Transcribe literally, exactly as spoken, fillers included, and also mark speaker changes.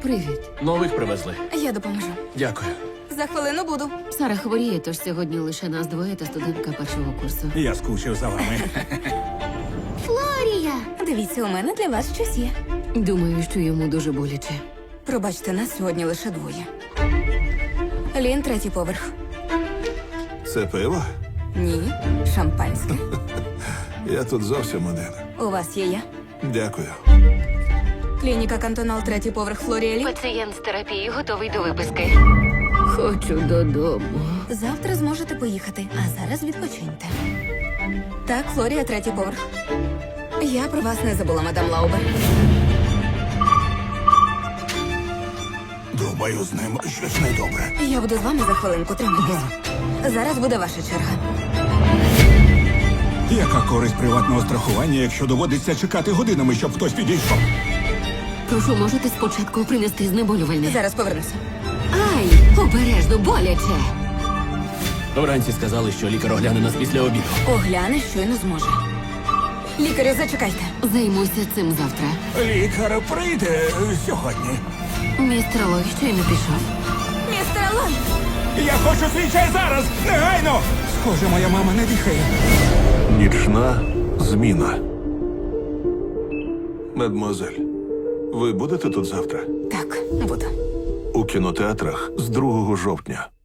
Speaker 1: Привіт.
Speaker 2: Нових привезли.
Speaker 3: Я допоможу.
Speaker 2: Дякую.
Speaker 3: За хвилину буду.
Speaker 1: Сара хворіє, тож сьогодні лише нас двоє та студентка першого курсу.
Speaker 4: Я скучив за вами.
Speaker 3: Флорія! Дивіться, у мене для вас щось є.
Speaker 1: Думаю, що йому дуже боляче.
Speaker 3: Пробачте, нас сьогодні лише двоє. Лін, третій поверх.
Speaker 5: Це пиво?
Speaker 3: Ні, шампанське.
Speaker 5: Я тут зовсім один.
Speaker 3: У вас є я.
Speaker 5: Дякую.
Speaker 3: Клініка Кантонал, третій поверх, Флорія Лі.
Speaker 1: Пацієнт з терапії готовий до виписки. Хочу додому.
Speaker 3: Завтра зможете поїхати, а зараз відпочиньте. Так, Флорія, третій поверх. Я про вас не забула, мадам Лаубер.
Speaker 4: Думаю, з ним щось недобре.
Speaker 3: Я буду з вами за хвилинку, тримайтесь. Зараз буде ваша черга.
Speaker 4: Яка користь приватного страхування, якщо доводиться чекати годинами, щоб хтось підійшов?
Speaker 1: Прошу, можете спочатку принести знеболювальне?
Speaker 3: Зараз повернуся.
Speaker 1: Ай, обережно, боляче.
Speaker 2: Вранці сказали, що лікар огляне нас після обіду.
Speaker 3: Огляне, щойно зможе. Лікарю, зачекайте.
Speaker 1: Займуся цим завтра.
Speaker 4: Лікар прийде сьогодні.
Speaker 1: Містер Лой щойно пішов.
Speaker 3: Містер Лон!
Speaker 4: Я хочу свій чай зараз! Негайно! Схоже, моя мама не дихає.
Speaker 5: Нічна зміна. Мадмуазель, ви будете тут завтра?
Speaker 3: Так, буду.
Speaker 5: У кінотеатрах з другого жовтня.